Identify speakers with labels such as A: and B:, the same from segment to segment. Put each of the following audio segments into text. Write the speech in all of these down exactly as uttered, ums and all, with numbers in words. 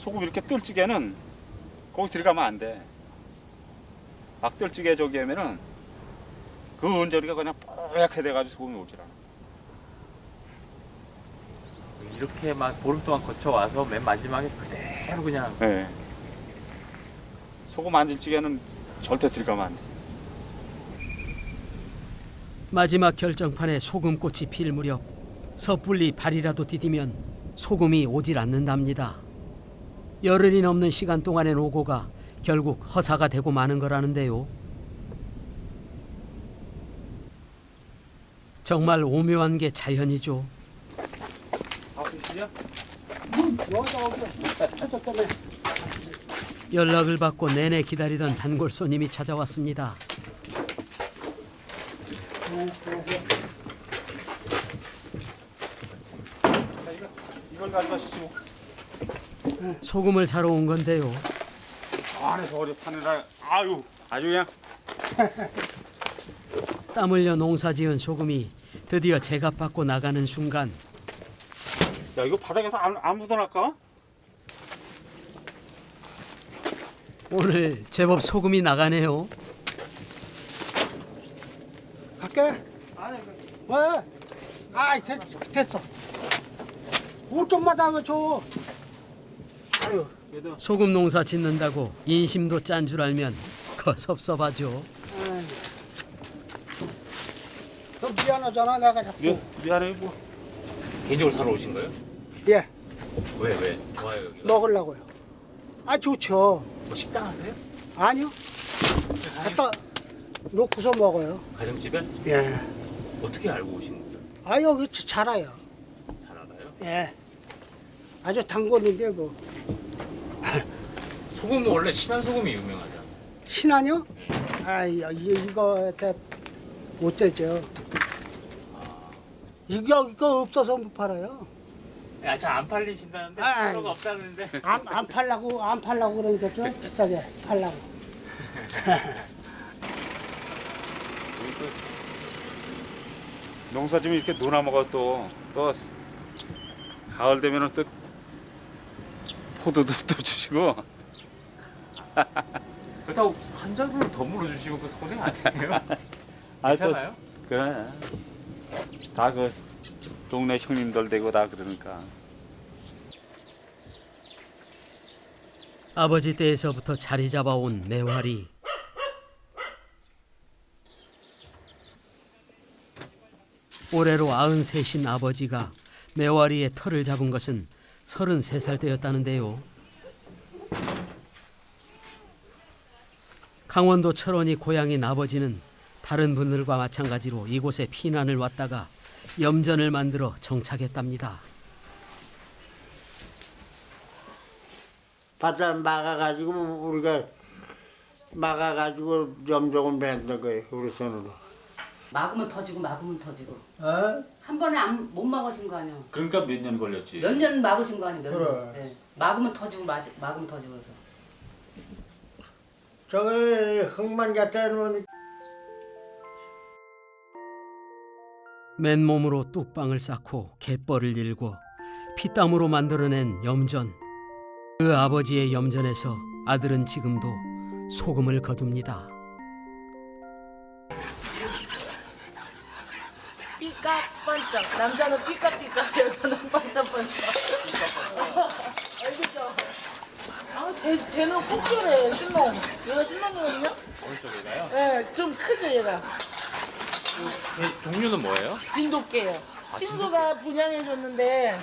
A: 소금 이렇게 뜰찌개는 거기 들어가면 안 돼. 막 뜰찌개 저기 하면은 그 언저리가 그냥 뽀얗게 돼가지고 소금이 오질 않아.
B: 이렇게 막 보름 동안 거쳐와서 맨 마지막에 그대로 그냥.
A: 네. 소금 안 질 찌개는 절대 들어가면 안 돼.
C: 마지막 결정판에 소금꽃이 필 무렵 섣불리 발이라도 디디면 소금이 오질 않는답니다. 열흘이 넘는 시간 동안의 노고가 결국 허사가 되고 마는 거라는데요. 정말 오묘한 게 자연이죠. 연락을 받고 내내 기다리던 단골 손님이 찾아왔습니다.
A: 이걸 가져가시죠.
C: 소금을 사러 온 건데요.
A: 안에서 어디 파느라 아유 아주 그냥.
C: 땀 흘려 농사지은 소금이 드디어 제값받고 나가는 순간
A: 야 이거 바닥에서 안, 안 묻어날까?
C: 오늘 제법 소금이 나가네요.
D: 갈게. 왜? 아이 됐, 됐어. 오 좀만 담아 줘. 아유.
C: 소금 농사 짓는다고 인심도 짠 줄 알면 거 섭섭하죠.
D: 아이. 너 미안하잖아 내가 자꾸.
A: 미, 미안해 뭐.
B: 개인적으로 사러 오신 거예요?
D: 예.
B: 왜 왜? 좋아요 여기가.
D: 먹으려고요. 아 좋죠.
B: 뭐 식당 하세요?
D: 아니요. 갖다 놓고서 먹어요.
B: 가정집에?
D: 예.
B: 어떻게 알고 오신 거예요?
D: 아 여기 자- 잘 알아요.
B: 잘 알아요?
D: 예. 아주 단골인데 뭐.
B: 소금은 원래 신안 소금이 유명하잖아요.
D: 신안요? 아이 이거 못 되죠. 이거 이거 없어서 못 팔아요.
B: 야, 저 안 팔리신다는데
D: 아이.
B: 필요가 없다는데.
D: 안, 안 팔라고 안 팔라고 그러니까 좀 비싸게 팔라고.
A: 농사 지면 이렇게 노나 먹어 또 또 가을 되면은 또 포도도 또 주시고.
B: 그렇다고 한 자루를 더 물어주시면 그 손해 아니에요?
A: 아, 또
B: 괜찮아요?
A: 그래. 다 그 동네 형님들 되고 다 그러니까.
C: 아버지 때에서부터 자리 잡아온 매화리. 올해로 아흔셋인 아버지가 매화리의 털을 잡은 것은 서른세 살 때였다는데요. 강원도 철원이 고향인 아버지는 다른 분들과 마찬가지로 이곳에 피난을 왔다가 염전을 만들어 정착했답니다.
E: 바다 막아가지고 우리가 막아가지고 염종을 만든 거예요 우리 손으로.
F: 막으면 터지고 막으면 터지고
E: 어?
F: 한 번에 안, 못 막으신 거 아니야.
B: 그러니까 몇 년 걸렸지.
F: 몇 년 막으신 거 아니야. 몇
E: 그래.
F: 년. 네. 막으면 터지고 막, 막으면 터지고 그래서.
E: 저기 흙만 갖다 놓으니
C: 맨몸으로 뚝방을 쌓고 갯벌을 일고 피땀으로 만들어낸 염전. 그 아버지의 염전에서 아들은 지금도 소금을 거둡니다.
G: 삐까번쩍. 남자는 삐까삐까, 여자는 번쩍번쩍. 알겠죠? 아, 쟤, 쟤는 꼭 저래, 신놈. 얘가 신놈이거든요?
B: 어느 쪽에가요?
G: 네, 좀 크죠, 얘가.
B: 개- 종류는 뭐예요?
G: 진돗개예요. 친구가 분양해줬는데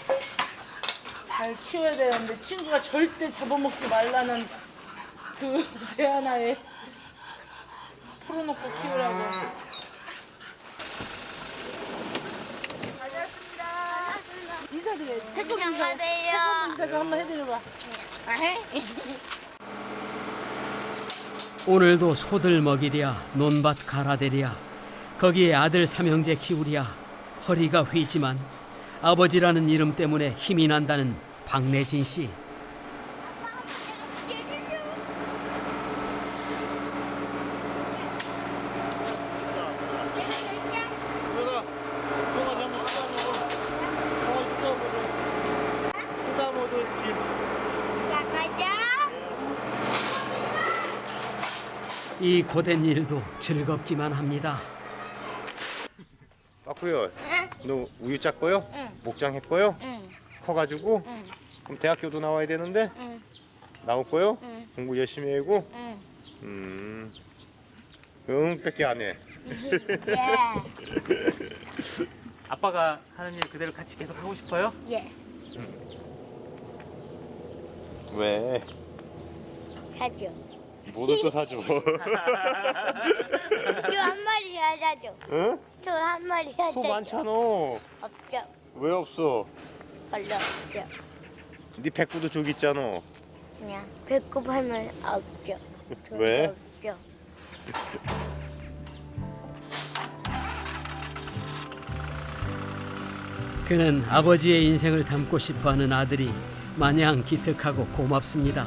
G: 잘 키워야 되는데 친구가 절대 잡아먹지 말라는 그 제안하에 풀어놓고 키우라고. 다녀왔습니다. 인사드려야지. 태국 인사. 태국 인사 좀 한번 해드려봐.
C: 오늘도 소들 먹이랴 논밭 갈아대랴 거기에 아들 삼형제 키우랴 허리가 휘지만 아버지라는 이름 때문에 힘이 난다는 박내진 씨. 이 고된 일도 즐겁기만 합니다.
H: 빠꾸요. 너 우유 짰고요?
G: 응.
H: 목장 했고요?
G: 응.
H: 커가지고?
G: 응.
H: 그럼 대학교도 나와야 되는데?
G: 응.
H: 나올 거요?
G: 응.
H: 공부 열심히 하고?
G: 응.
H: 음. 응, 뺏기 안 해.
G: 예.
B: 아빠가 하는 일 그대로 같이 계속 하고 싶어요?
G: 예.
H: 왜?
G: 사줘.
H: 뭐를 또 사줘?
G: 저한 마리 사줘.
H: 응?
G: 저한 마리 사줘.
H: 소 많잖아.
G: 없죠.
H: 왜 없어?
G: 별로 없죠.
H: 네 백구도 저기 있잖아.
G: 그냥 배꼽 하면 없죠.
H: 왜?
G: 없죠.
C: 그는 아버지의 인생을 담고 싶어하는 아들이 마냥 기특하고 고맙습니다.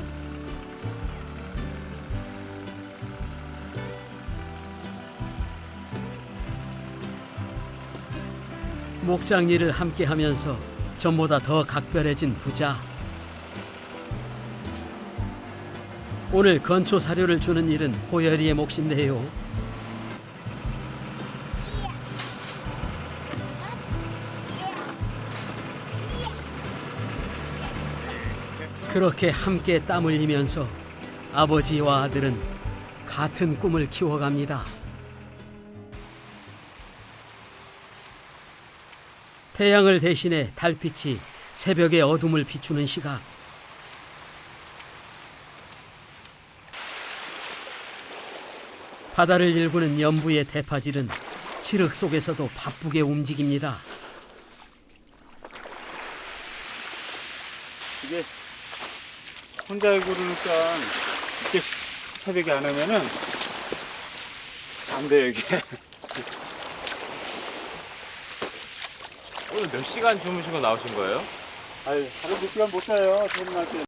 C: 목장 일을 함께하면서 전보다 더 각별해진 부자. 오늘 건초 사료를 주는 일은 호열이의 몫인데요. 그렇게 함께 땀 흘리면서 아버지와 아들은 같은 꿈을 키워갑니다. 태양을 대신해 달빛이 새벽의 어둠을 비추는 시각. 바다를 일구는 연부의 대파질은 칠흑 속에서도 바쁘게 움직입니다.
A: 이게 혼자 그러니까 이렇게 새벽에 안 하면은 안 돼, 이게.
B: 오늘 몇 시간 주무시고 나오신 거예요?
A: 아유, 하루 몇 시간 못 자요, 퇴근할 때.